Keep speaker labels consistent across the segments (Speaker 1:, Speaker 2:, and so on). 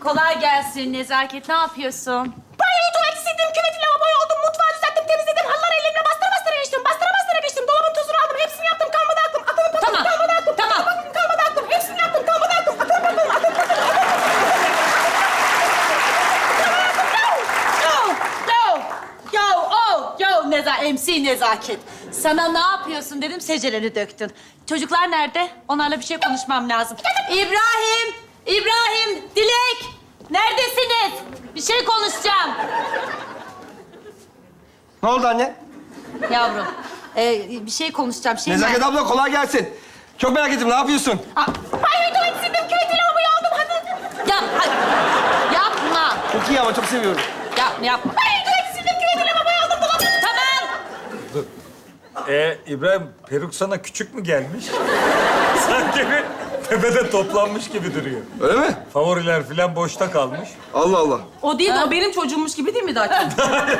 Speaker 1: Kolay gelsin Nezaket. Ne yapıyorsun?
Speaker 2: Banyoyu, tuvaleti sildim, küveti, lavaboyu oldum, mutfağı düzelttim, temizledim, halıları elimle bastıra bastıra geçtim, bastıra bastıra geçtim, dolabın tozunu aldım, hepsini yaptım, kalmadı aklım, akılım patladı,
Speaker 1: Tamam,
Speaker 2: kalmadı aklım,
Speaker 1: tamam.
Speaker 2: akılım kalmadı aklım, hepsini yaptım, kalmadı aklım, akılım patladı, akılım patladı,
Speaker 1: MC Nezaket. Sana ne yapıyorsun dedim, seceleri döktün. Çocuklar nerede? Onlarla bir şey konuşmam lazım. İbrahim, Dilek. Neredesiniz? Bir şey konuşacağım.
Speaker 3: Ne oldu anne?
Speaker 1: Yavrum, bir şey konuşacağım.
Speaker 3: Nezaket abla kolay gelsin. Çok merak ettim, ne yapıyorsun?
Speaker 2: banyoyu, tuvaleti sildim, küveti, lavaboyu aldım, hadi.
Speaker 1: Yapma.
Speaker 3: Çok iyi ama çok seviyorum.
Speaker 1: Yapma.
Speaker 2: Banyoyu, tuvaleti sildim, küveti, lavaboyu aldım, dolabın...
Speaker 1: Tamam.
Speaker 4: İbrahim, peruk sana küçük mü gelmiş? Sanki bir tepede toplanmış gibi duruyor.
Speaker 3: Öyle mi?
Speaker 4: Favoriler falan boşta kalmış.
Speaker 3: Allah Allah.
Speaker 2: O değil, o benim çocuğummuş gibi değil mi Dakin?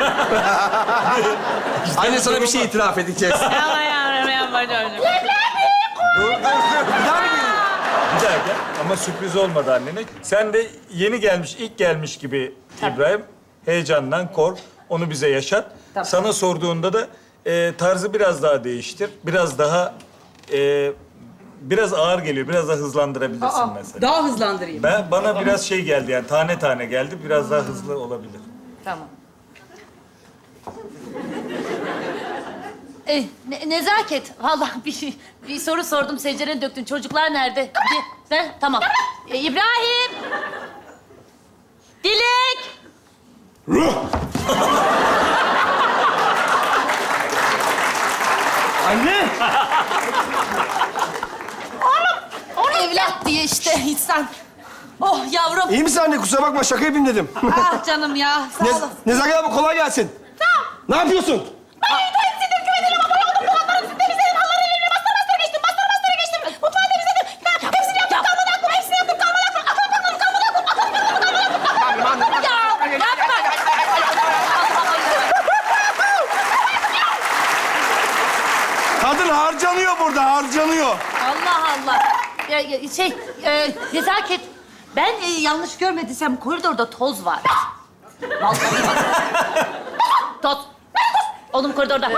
Speaker 3: Anne sana bir şey itiraf edeceğiz.
Speaker 1: Yapma yavrum, yapma çocuğum.
Speaker 3: Bir daha mı gelin?
Speaker 4: Bir daha gel. Ama sürpriz olmadı annene. Sen de yeni gelmiş, ilk gelmiş gibi İbrahim. Heyecandan kork, onu bize yaşat.
Speaker 1: Tamam.
Speaker 4: Sana sorduğunda da tarzı biraz daha değiştir. Biraz daha... biraz ağır geliyor, biraz daha hızlandırabilirsin mesela.
Speaker 2: Daha hızlandırayım.
Speaker 4: Bana biraz şey geldi yani, tane tane geldi. Biraz daha hızlı olabilir.
Speaker 1: Tamam. Nezaket, vallahi bir soru sordum, secdereni döktün. Çocuklar nerede? Tamam. İbrahim! Dilek!
Speaker 3: Anne!
Speaker 1: Evlat diye işte insan. Oh yavrum.
Speaker 3: İyi misin anne? Kusura bakma, şaka yapayım dedim.
Speaker 1: Ah canım ya, sağ olun.
Speaker 3: Nezaket abla kolay gelsin. Tamam. Ne yapıyorsun?
Speaker 2: Banyoyu, tuvaleti sildim, küveti, lavaboyu aldım, dolapları temizledim, halıları elimle bastıra bastıra geçtim, bastıra bastıra geçtim, mutfağı temizledim, hepsini yaptım, kalmadı aklım, hepsini yaptım, kalmadı aklım, akılım patladı, kalmadı aklım, akılım patladı, kalmadı aklım.
Speaker 3: Kadın harcanıyor burada, harcanıyor.
Speaker 1: Allah Allah. Nezaket, ben yanlış görmediysem koridorda toz var. Vallahi bak. Toz. Oğlum koridorda.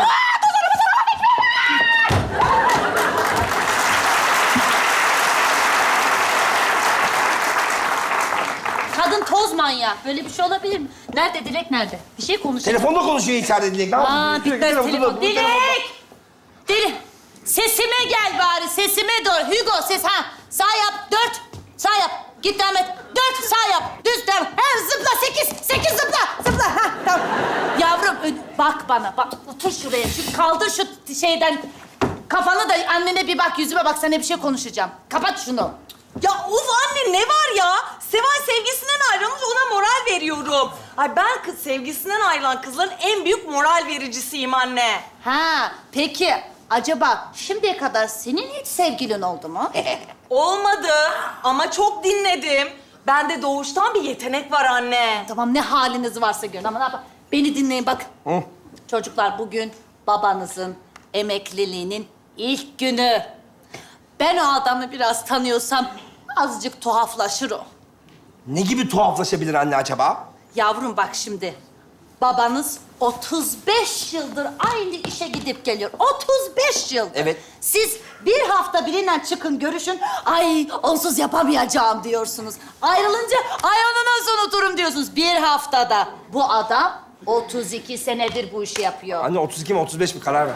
Speaker 1: Kadın toz manyağı. Böyle bir şey olabilir mi? Nerede Dilek, nerede? Bir şey konuşalım.
Speaker 3: Telefonda konuşuyor içeride Dilek. Ne yapıyorsun?
Speaker 1: Bitmez
Speaker 3: Telefon,
Speaker 1: telefon.
Speaker 3: bu telefon.
Speaker 1: Dilek! Sesime gel bari, sesime doğru. Hugo, ses ha. Sağ yap, 4. Sağ yap. Git devam et. 4, sağ yap. Düz devam. Ha, zıpla, 8 zıpla. Zıpla, ha, tamam. Yavrum, bak bana, bak. Otur şuraya. Kaldır şu şeyden. Kafanı da annene bir bak, yüzüme bak. Sana bir şey konuşacağım. Kapat şunu.
Speaker 5: Ya uf anne ne var ya? Seval sevgisinden ayrılmış, ona moral veriyorum. Ay ben kız sevgisinden ayrılan kızların en büyük moral vericisiyim anne.
Speaker 1: Ha, peki. Acaba şimdiye kadar senin hiç sevgilin oldu mu?
Speaker 5: Olmadı ama çok dinledim. Bende doğuştan bir yetenek var anne.
Speaker 1: Tamam, ne haliniz varsa görün ama ne yapalım? Beni dinleyin bak. Çocuklar, bugün babanızın emekliliğinin ilk günü. Ben o adamı biraz tanıyorsam azıcık tuhaflaşır o.
Speaker 3: Ne gibi tuhaflaşabilir anne acaba?
Speaker 1: Yavrum bak şimdi. Babanız 35 yıldır aynı işe gidip geliyor. 35 yıldır.
Speaker 3: Evet.
Speaker 1: Siz bir hafta biriyle çıkın görüşün. Ay onsuz yapamayacağım diyorsunuz. Ayrılınca ay onu nasıl unuturum diyorsunuz. Bir haftada. Bu adam 32 senedir bu işi yapıyor.
Speaker 3: Anne 32 mi 35 mi karar ver.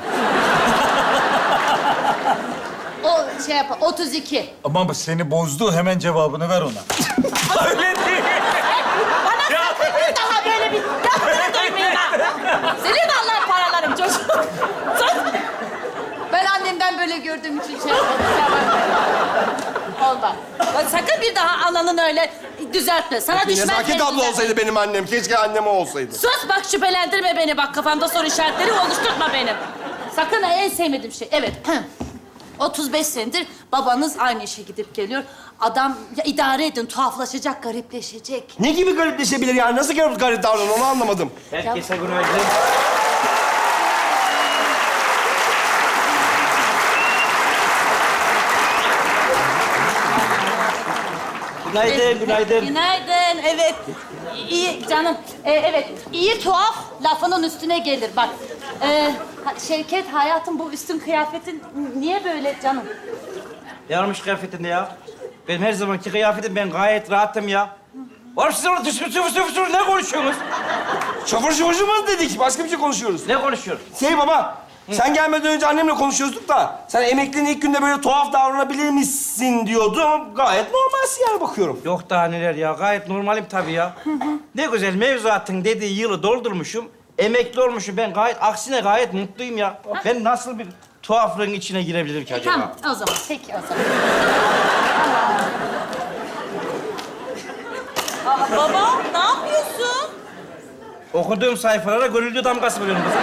Speaker 1: O şey yap, 32.
Speaker 4: Ama seni bozdu, hemen cevabını ver ona. Öyle değil.
Speaker 1: Bana sakın bir daha böyle bir lafını duymayın ha. Senin Allah paralarım çocuk. Sus. Ben annemden böyle gördüğüm için şey yapmadım. Olmaz. Bak sakın bir daha ananın öyle düzeltme. Sana düşman
Speaker 3: Nezaket abla olsaydı benim annem. Keşke annem o olsaydı.
Speaker 1: Sus bak, şüphelendirme beni bak. Kafamda soru işaretleri oluşturma benim. Sakın ha, en sevmediğim şey. Evet. 35 senedir babanız aynı işe gidip geliyor. Adam ya, idare edin, tuhaflaşacak, garipleşecek.
Speaker 3: Ne gibi garipleşebilir yani? Nasıl garip davranıyor onu anlamadım.
Speaker 6: Herkese günaydın. Günaydın, günaydın.
Speaker 1: Günaydın, evet. İyi canım, evet. İyi tuhaf lafının üstüne gelir bak. Şevket, hayatım bu üstün kıyafetin niye böyle canım?
Speaker 6: Ne olmuş kıyafetinde ya? Benim her zamanki kıyafetim, ben gayet rahatım ya. Oğlum siz orada fısır ne konuşuyorsunuz?
Speaker 3: Şoför şoförcümüz dedik. Başka bir şey konuşuyoruz.
Speaker 6: Ne konuşuyoruz?
Speaker 3: Baba, sen gelmeden önce annemle konuşuyorduk da... ...sen emekliliğin ilk günde böyle tuhaf davranabilir misin diyordu ama gayet normalsin yani bakıyorum.
Speaker 6: Yok daha neler ya, gayet normalim tabii ya. Ne güzel mevzuatın dediği yılı doldurmuşum, emekli olmuşum. Ben aksine gayet mutluyum ya. Ben nasıl bir tuhaflığın içine girebilirim ki acaba?
Speaker 1: Tamam, o zaman. Peki o zaman.
Speaker 5: Baba ne yapıyorsun?
Speaker 6: Okuduğum sayfalara gönüllü damgası vuruyorum kızım.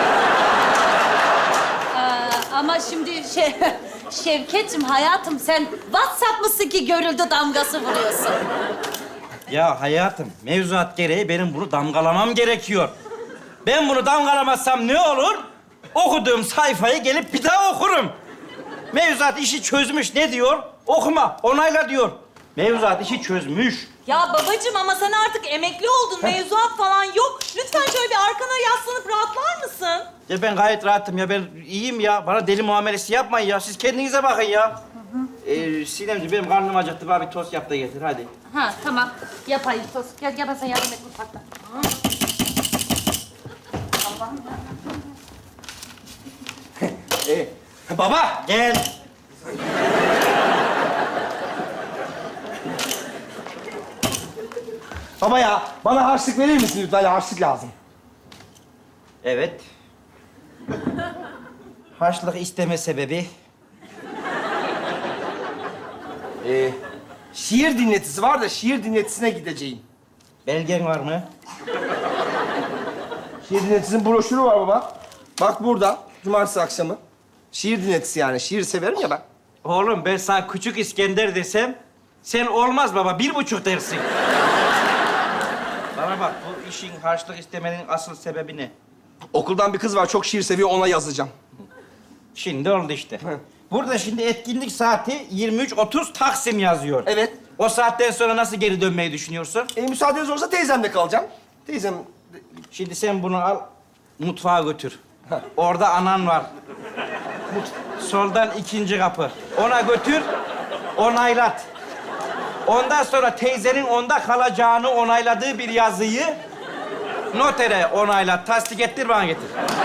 Speaker 1: Ama şimdi Şevket'cim hayatım sen WhatsApp mısın ki görüldü damgası vuruyorsun?
Speaker 6: Ya hayatım, mevzuat gereği benim bunu damgalamam gerekiyor. Ben bunu damgalamazsam ne olur? Okuduğum sayfayı gelip bir daha okurum. Mevzuat işi çözmüş. Ne diyor? Okuma, onayla diyor. Mevzuat işi çözmüş.
Speaker 5: Ya babacığım ama sen artık emekli oldun. Mevzuat falan yok. Lütfen şöyle bir arkana yaslanıp rahatlar mısın?
Speaker 6: Ya ben gayet rahatım ya. Ben iyiyim ya. Bana deli muamelesi yapmayın ya. Siz kendinize bakın ya. Sinemciğim benim karnım acıktı. Bana bir tost yap da getir hadi.
Speaker 1: Ha tamam yapayım tost. Gel ben sana yardım et mutfakta. Allah'ım ya.
Speaker 3: Baba!
Speaker 6: Gel.
Speaker 3: Baba ya, bana harçlık verir misin lütfen? Harçlık lazım.
Speaker 6: Evet. Harçlık isteme sebebi?
Speaker 3: Şiir dinletisi var da şiir dinletisine gideceğim.
Speaker 6: Belgen var mı?
Speaker 3: Şiir dinletisinin broşürü var baba. Bak burada, cumartesi akşamı. Şiir dinletisi yani, şiir severim ya ben.
Speaker 6: Oğlum ben sana küçük İskender desem... ...sen olmaz baba, 1,5 dersin. Bana bak, bu işin harçlık istemenin asıl sebebi ne?
Speaker 3: Okuldan bir kız var, çok şiir seviyor, ona yazacağım.
Speaker 6: Şimdi oldu işte. Burada şimdi etkinlik saati 23:30 Taksim yazıyor.
Speaker 3: Evet.
Speaker 6: O saatten sonra nasıl geri dönmeyi düşünüyorsun?
Speaker 3: Müsaadeniz olursa teyzemle kalacağım. Teyzem...
Speaker 6: Şimdi sen bunu al, mutfağa götür. Orada anan var. Soldan 2. kapı. Ona götür, onaylat. Ondan sonra teyzenin onda kalacağını onayladığı bir yazıyı notere onaylat, tasdik ettir, bana getir.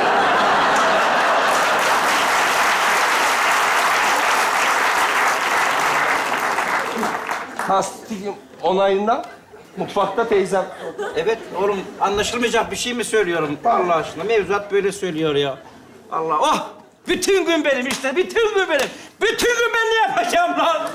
Speaker 3: Tasdik onayından mutfakta teyzem.
Speaker 6: Evet oğlum, anlaşılmayacak bir şey mi söylüyorum? Allah aşkına, mevzuat böyle söylüyor ya. Allah, oh! Bütün gün benim işte, bütün gün benim. Bütün gün ben ne yapacağım lan?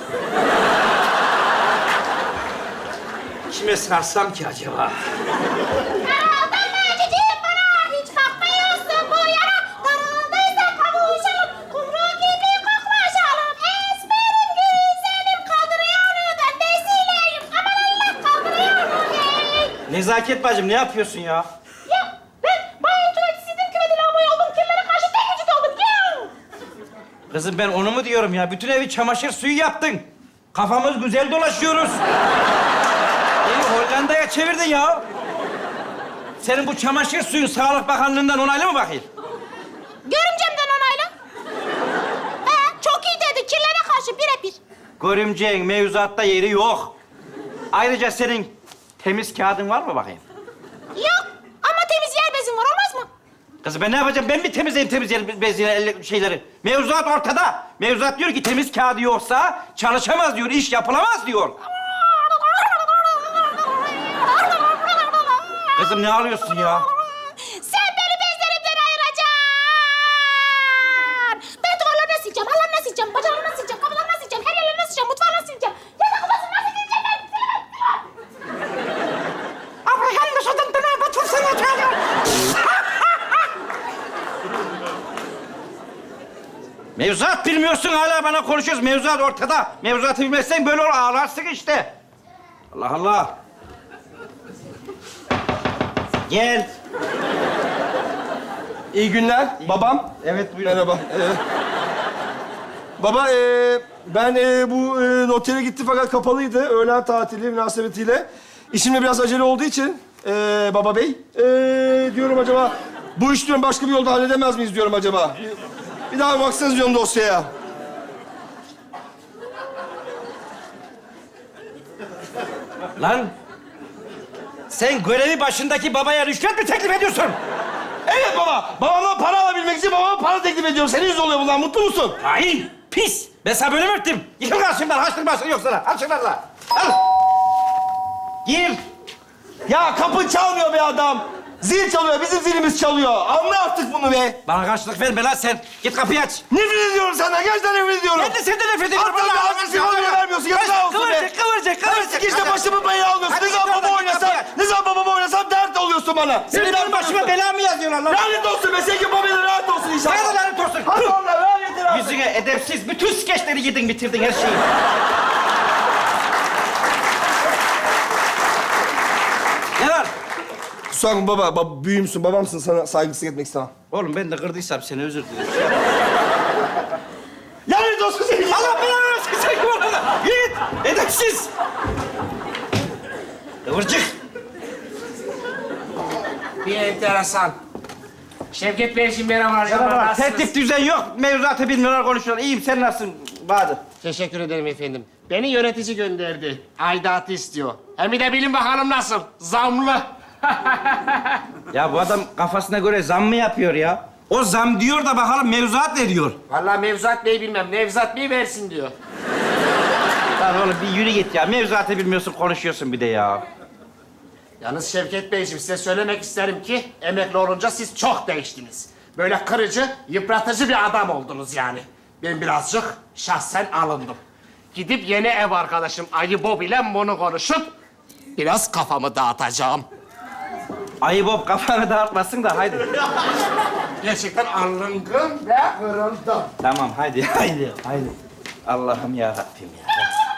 Speaker 6: Kime sarsam ki acaba?
Speaker 2: Daraldın mı cicim bana? Hiç bakmıyorsun bu yana. Darıldıysa kavuşalım. Kumru gibi koklaşalım. Esmerim güzelim. Kaldırıyor onu döndesiyleyim. Aman Allah kaldırıyor onu hey.
Speaker 6: Nezaket bacım, ne yapıyorsun ya?
Speaker 2: Ya ben banyo tuvaletisiydim. Küveti lavaboya oldum. Kirlere karşı tek vücut oldum. Gel.
Speaker 6: Kızım ben onu mu diyorum ya? Bütün evi çamaşır suyu yaptın. Kafamız güzel dolaşıyoruz. Evi Hollanda'ya çevirdin ya. Senin bu çamaşır suyun Sağlık Bakanlığı'ndan onaylı mı bakayım?
Speaker 2: Görümcemden onayla. Çok iyi dedi. Kirlere karşı birebir.
Speaker 6: Görümceğin mevzuatta yeri yok. Ayrıca senin temiz kağıdın var mı bakayım?
Speaker 2: Yok ama temiz yer bezim var. Olmaz mı?
Speaker 6: Kızım ben ne yapacağım? Ben mi temizleyeyim temiz yer, bez şeyleri? Mevzuat ortada. Mevzuat diyor ki temiz kağıdı yoksa çalışamaz diyor, iş yapılamaz diyor. Kızım ne ağlıyorsun ya?
Speaker 2: Sen beni bezlerimden ayıracaksın. Ben duvarlarını sileceğim, hallarını sileceğim, bacalarını sileceğim, kapılarını sileceğim, her yerlerini sileceğim, mutfağını sileceğim. Yatak odasını nasıl sileceğim ben?
Speaker 6: Abraham Mesut'un döner batırsana çocuğum. Mevzuat bilmiyorsun, hala bana konuşuyoruz. Mevzuat ortada. Mevzuatı bilmezsen böyle olur, ağlarsın işte. Allah Allah. Gel.
Speaker 3: İyi günler, babam.
Speaker 6: Evet, buyurun.
Speaker 3: Merhaba. Baba, ben bu notere gitti fakat kapalıydı. Öğlen tatili münasebetiyle. İşimde biraz acele olduğu için baba bey, diyorum acaba bu iş diyorum başka bir yolda halledemez miyiz diyorum acaba. Bir daha baksanız diyorum dosyaya.
Speaker 6: Lan sen görevi başındaki babaya rüşvet mi teklif ediyorsun?
Speaker 3: Evet baba, babamdan para alabilmek için babama para teklif ediyorum. Senin yüzün oluyor bundan, mutlu musun?
Speaker 6: Hain, pis. Ben sana böyle mi öptüm? Yıkıl karşımdan, haştırmasın yok sana. Al şunlarla. Al. Gir.
Speaker 3: Ya kapı çalmıyor be adam. Zil çalıyor, bizim zilimiz çalıyor. Anla artık bunu be.
Speaker 6: Bana karşılık verme lan sen. Git kapıyı aç.
Speaker 3: Nefret ediyorum senden, gerçekten nefret ediyorum.
Speaker 6: Ben de senden nefret ediyorum.
Speaker 3: Hatta bir ağzını sigara vermiyorsun, yazıklar olsun be.
Speaker 6: Kıvırcık.
Speaker 3: İşte başımı belaya alıyorsun.
Speaker 6: Hadi
Speaker 3: Ne zaman
Speaker 6: git
Speaker 3: babamı
Speaker 6: oradan,
Speaker 3: oynasam,
Speaker 6: kapıya.
Speaker 3: ne zaman babamı oynasam dert oluyorsun bana.
Speaker 6: Senin benim başıma bela mı yazıyorlar lan?
Speaker 3: Lanet olsun be, senin babayla rahat olsun inşallah.
Speaker 6: Sana da lanet olsun.
Speaker 3: Hadi onlar, lanet olsun.
Speaker 6: Yüzüne edepsiz. Bütün skeçleri yedin, bitirdin her şeyi. Ne var?
Speaker 3: Kusura bakma baba, büyüğümsün, babamsın. Sana saygısızlık etmek istemem.
Speaker 6: Oğlum ben de kırdıysam seni özür dilerim.
Speaker 3: Lanet olsun senin.
Speaker 6: Allah belanı versin sen bu arada. Git. Edepsiz. Kıvırcık.
Speaker 7: Bir enteresan. Şevket Beyciğim merhabalar.
Speaker 6: Merhaba. Tertip düzen yok. Mevzuatı bilmiyorlar, konuşuyorlar. İyiyim, sen nasılsın Bahadır?
Speaker 7: Teşekkür ederim efendim. Beni yönetici gönderdi. Aidatı istiyor. Hem bir de bilin bakalım nasıl. Zamlı.
Speaker 6: Ya bu adam kafasına göre zam mı yapıyor ya? O zam diyor da bakalım mevzuat ne diyor?
Speaker 7: Vallahi Mevzuat Bey bilmem. Nevzat Bey versin diyor.
Speaker 6: Lan oğlum bir yürü git ya. Mevzuatı bilmiyorsun, konuşuyorsun bir de ya.
Speaker 7: Yalnız Şevket Beyciğim size söylemek isterim ki emekli olunca siz çok değiştiniz. Böyle kırıcı, yıpratıcı bir adam oldunuz yani. Ben birazcık şahsen alındım. Gidip yeni ev arkadaşım Ayı Bob ile bunu konuşup biraz kafamı dağıtacağım.
Speaker 6: Ayı Bob kafanı dağıtmasın da haydi.
Speaker 7: Gerçekten alındım ve kırıldım.
Speaker 6: Tamam haydi. Allah'ım ya Rabbim ya.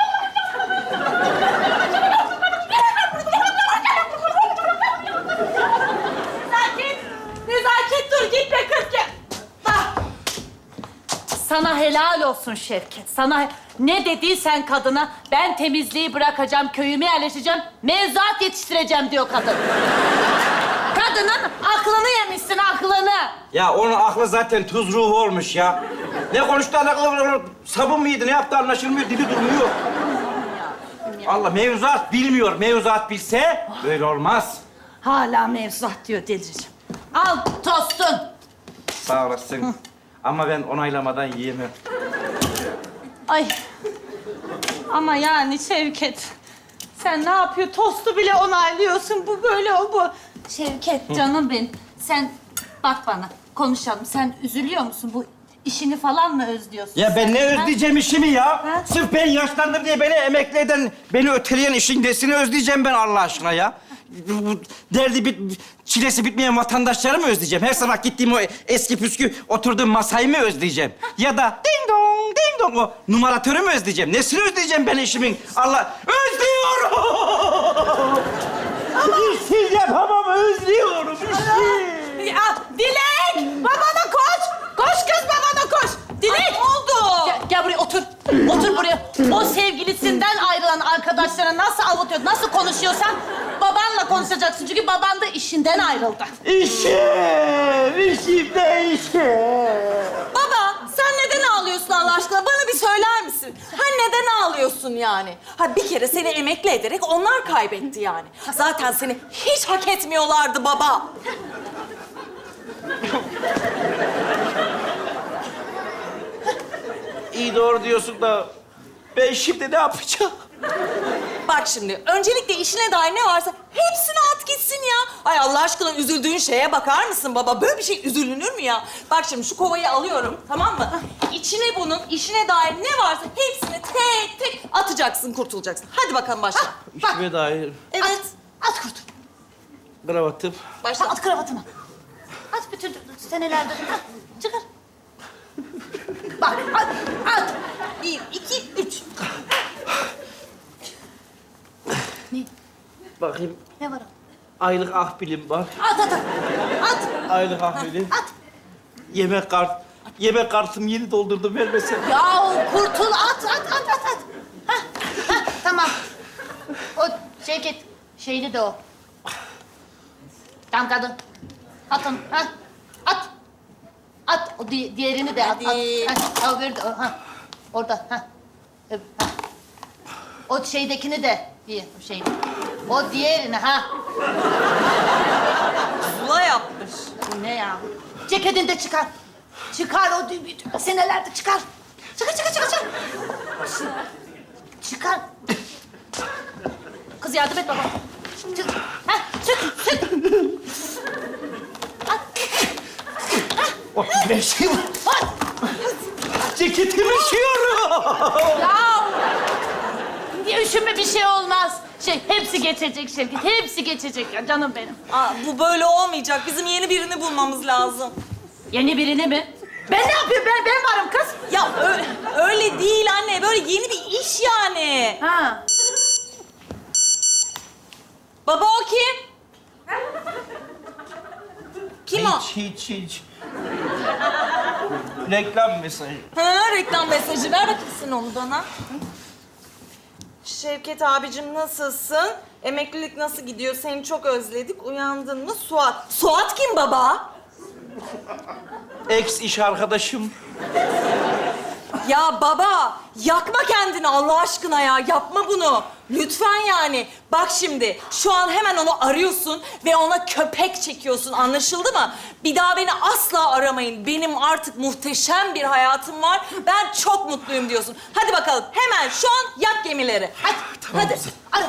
Speaker 1: Nezaket dur gitme kız gel. Bak. Sana helal olsun Şevket. Sana ne dediysen kadına ben temizliği bırakacağım, köyüme yerleşeceğim, mevzuat yetiştireceğim diyor kadın. Kadının aklını yemişsin, aklını.
Speaker 6: Ya onun aklı zaten tuz ruhu olmuş ya. Ne konuştu alakalı sabun muydu, ne yaptı anlaşılmıyor, dili durmuyor. Allah mevzuat bilmiyor. Mevzuat bilse böyle olmaz.
Speaker 1: Hala mevzuat diyor delireceğim. Al tostun.
Speaker 6: Sağ olasın. Ama ben onaylamadan yiyemem.
Speaker 1: Ay. Ama yani Şevket. Sen ne yapıyor? Tostu bile onaylıyorsun. Bu böyle o bu. Şevket canım benim. Sen bak bana. Konuşalım. Sen üzülüyor musun? Bu işini falan mı özlüyorsun?
Speaker 6: Ya ben ne
Speaker 1: Ha?
Speaker 6: özleyeceğim işimi ya?
Speaker 1: Ha?
Speaker 6: Sırf ben yaşlandım diye beni emekli eden, beni öteleyen işin nesini özleyeceğim ben Allah aşkına ya? Bu çilesi bitmeyen vatandaşları mı özleyeceğim? Her sabah gittiğim o eski püskü oturduğum masayı mı özleyeceğim? Ya da ding dong o numaratörü mü özleyeceğim? Nesini özleyeceğim ben işimin? Allah özlüyorum! İşsiz yapamam, özlüyorum işsiz.
Speaker 1: Ya Dilek! Babana koş! Koş kız babana koş! Dilek!
Speaker 5: Ay, ne oldu?
Speaker 1: Gel buraya otur. Otur buraya. O sevgilisinden ayrılan arkadaşlara nasıl avutuyor, nasıl konuşuyorsan babanla konuşacaksın. Çünkü baban da işinden ayrıldı.
Speaker 6: İşim değişim.
Speaker 5: Baba, sen neden ağlıyorsun Allah aşkına? Bana bir söyler misin? Ha neden ağlıyorsun yani? Ha bir kere seni emekli ederek onlar kaybetti yani. Zaten seni hiç hak etmiyorlardı baba.
Speaker 6: İyi doğru diyorsun da ben şimdi ne yapacağım?
Speaker 5: Bak şimdi, öncelikle işine dair ne varsa hepsini at gitsin ya. Ay Allah aşkına üzüldüğün şeye bakar mısın baba? Böyle bir şey üzülünür mü ya? Bak şimdi şu kovayı alıyorum, tamam mı? İçine bunun, işine dair ne varsa hepsini tek tek atacaksın, kurtulacaksın. Hadi bakalım başla.
Speaker 6: İşime dair
Speaker 5: Evet,
Speaker 1: At kurtul.
Speaker 6: kravatım.
Speaker 5: başla.
Speaker 1: At kravatını. At bütün senelerde. At, çıkar. Bak at.
Speaker 5: 1, 2, 3.
Speaker 6: Bakayım
Speaker 1: Ne var o?
Speaker 6: aylık akbilim var.
Speaker 1: At.
Speaker 6: Aylık akbilim.
Speaker 1: At.
Speaker 6: Yemek kart. Yemek kartımı yeni doldurdum, vermesen.
Speaker 1: Ya kurtul, at. Hah, tamam. O Şevket, şeyli de o. Tamam kadın. At onu, ha. At. At, o diğerini de at.
Speaker 5: Hadi.
Speaker 1: Ha, öbürü de, ha. Orada, ha. Ha. O şeydekini de, şey. O diğerini, ha.
Speaker 5: Zula yapmış.
Speaker 1: Bu ne ya? Ceketini de çıkar. Çıkar o senelerde çıkar. Çıkar. Çıkar. Kız yardım et baba. Çık. Ha, çık.
Speaker 6: Oh, bir şey var.
Speaker 1: At.
Speaker 6: Ceketim üşüyor.
Speaker 1: Ya. Niye üşüme bir şey olmaz. Hepsi geçecek Şevket. Hepsi geçecek ya canım benim.
Speaker 5: Aa, bu böyle olmayacak. Bizim yeni birini bulmamız lazım.
Speaker 1: Yeni birini mi? Ben ne yapayım? Ben varım kız.
Speaker 5: Ya öyle değil anne. Böyle yeni bir iş yani.
Speaker 1: Ha.
Speaker 5: Baba o kim? Kim o?
Speaker 6: Hiç. Reklam mesajı.
Speaker 5: Ha, reklam mesajı. Ver bakayım sen onu bana. Şevket abicim nasılsın? Emeklilik nasıl gidiyor? Seni çok özledik. Uyandın mı? Suat. Suat kim baba?
Speaker 6: Ex iş arkadaşım.
Speaker 5: Ya baba, yakma kendini Allah aşkına ya. Yapma bunu. Lütfen yani. Bak şimdi, şu an hemen onu arıyorsun ve ona köpek çekiyorsun. Anlaşıldı mı? Bir daha beni asla aramayın. Benim artık muhteşem bir hayatım var. Ben çok mutluyum diyorsun. Hadi bakalım, hemen şu an yak gemileri. Hadi.
Speaker 1: Ara.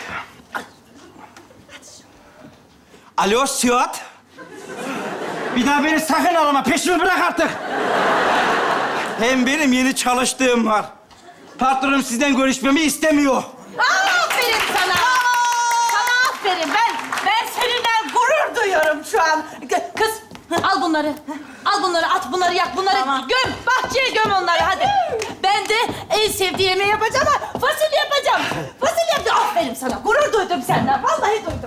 Speaker 6: Alo Suat. Bir daha beni sakın arama. Peşimi bırak artık. Hem benim yeni çalıştığım var. Patronum sizden görüşmemi istemiyor.
Speaker 1: Aferin sana. Sana aferin. Ben seninle gurur duyuyorum şu an. Kız al bunları. Al bunları, at bunları, yak bunları.
Speaker 5: Tamam.
Speaker 1: Göm, bahçeye göm onları hadi. Ben de en sevdiğim yemeği yapacağım ama fasulye yapacağım. Fasulye yapacağım. Aferin sana. Gurur duydum senden. Vallahi duydum.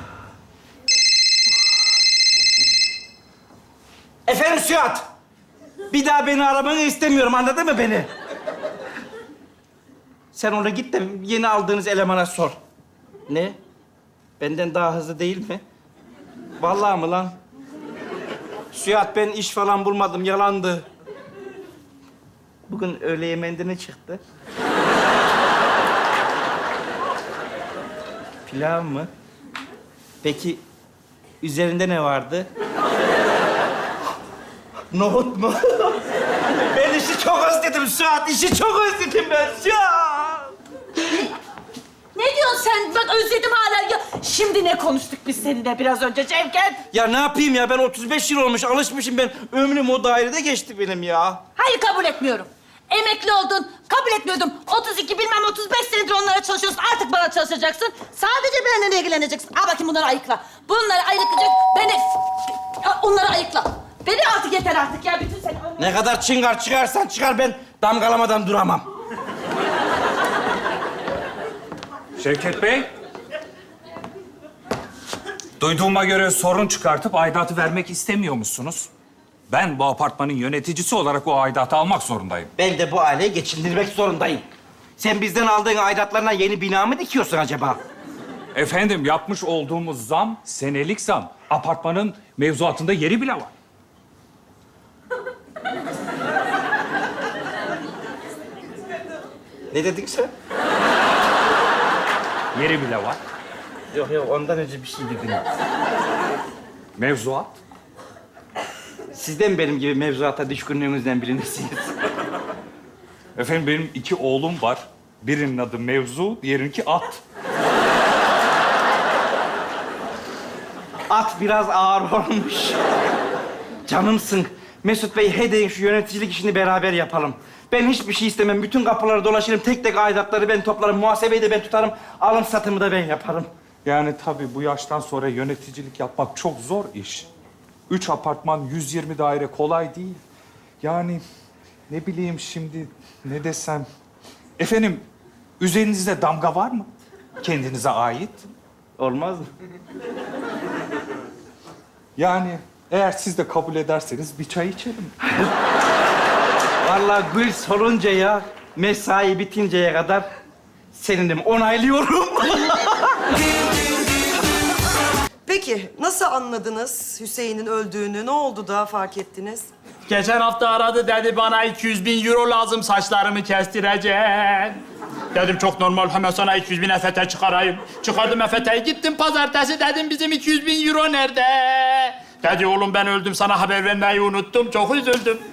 Speaker 6: Efendim Suat. Bir daha beni aramanı istemiyorum. Anladın mı beni? Sen ona git de yeni aldığınız elemana sor. Ne? Benden daha hızlı değil mi? Vallahi mı lan? Suat ben iş falan bulmadım. Yalandı. Bugün öğle yemeğinde ne çıktı? Pilav mı? Peki üzerinde ne vardı? Nohut mu? Ben işi çok özledim Suat. İşi çok özledim ben Suat.
Speaker 1: Ne diyorsun sen? Bak özledim hala. Ya, şimdi ne konuştuk biz seninle biraz önce Cevket?
Speaker 6: Ya ne yapayım ya? Ben 35 yıl olmuş, alışmışım ben. Ömrüm o dairede geçti benim ya.
Speaker 1: Hayır kabul etmiyorum. Emekli oldun, kabul etmiyordum. 32 bilmem 35 senedir onlara çalışıyorsun. Artık bana çalışacaksın. Sadece benimle ilgileneceksin. Al bakayım bunları ayıkla. Bunları ayıklayacak. Onları ayıkla. Beni artık yeter artık ya. Bütün seni...
Speaker 6: Ne kadar çıngar çıkarsan çıkar, ben damgalamadan duramam.
Speaker 4: Şevket Bey. Duyduğuma göre sorun çıkartıp aidatı vermek istemiyormuşsunuz. Ben bu apartmanın yöneticisi olarak o aidatı almak zorundayım.
Speaker 6: Ben de bu aileyi geçindirmek zorundayım. Sen bizden aldığın aidatlarına yeni bina mı dikiyorsun acaba?
Speaker 4: Efendim yapmış olduğumuz zam senelik zam. Apartmanın mevzuatında yeri bile var.
Speaker 6: Ne dedin sen?
Speaker 4: Yeri bile var.
Speaker 6: Yok ondan önce bir şey dedin.
Speaker 4: Mevzuat.
Speaker 6: Siz de mi benim gibi mevzuata düşkünlüğünüzden bilirsiniz?
Speaker 4: Efendim benim 2 oğlum var. Birinin adı Mevzu, diğerininki At.
Speaker 6: At biraz ağır olmuş. Canımsın. Mesut Bey, hadi şu yöneticilik işini beraber yapalım. Ben hiçbir şey istemem. Bütün kapıları dolaşırım. Tek tek aidatları ben toplarım. Muhasebeyi de ben tutarım. Alım satımı da ben yaparım.
Speaker 4: Yani tabii bu yaştan sonra yöneticilik yapmak çok zor iş. 3 apartman, 120 daire kolay değil. Yani ne bileyim şimdi ne desem. Efendim üzerinizde damga var mı? Kendinize ait.
Speaker 6: Olmaz mı?
Speaker 4: Yani Eğer siz de kabul ederseniz bir çay içelim.
Speaker 6: Vallahi Gül soluncaya, mesai bitinceye kadar seninim, onaylıyorum.
Speaker 8: Peki nasıl anladınız Hüseyin'in öldüğünü? Ne oldu da fark ettiniz?
Speaker 9: Geçen hafta aradı dedi bana 200.000 euro lazım saçlarımı kestireceğim. Dedim çok normal hemen sana 200.000 EFT çıkarayım. Çıkardım EFT'yi gittim pazartesi dedim bizim 200.000 euro nerede? Dedi oğlum ben öldüm sana haber vermeyi unuttum çok üzüldüm.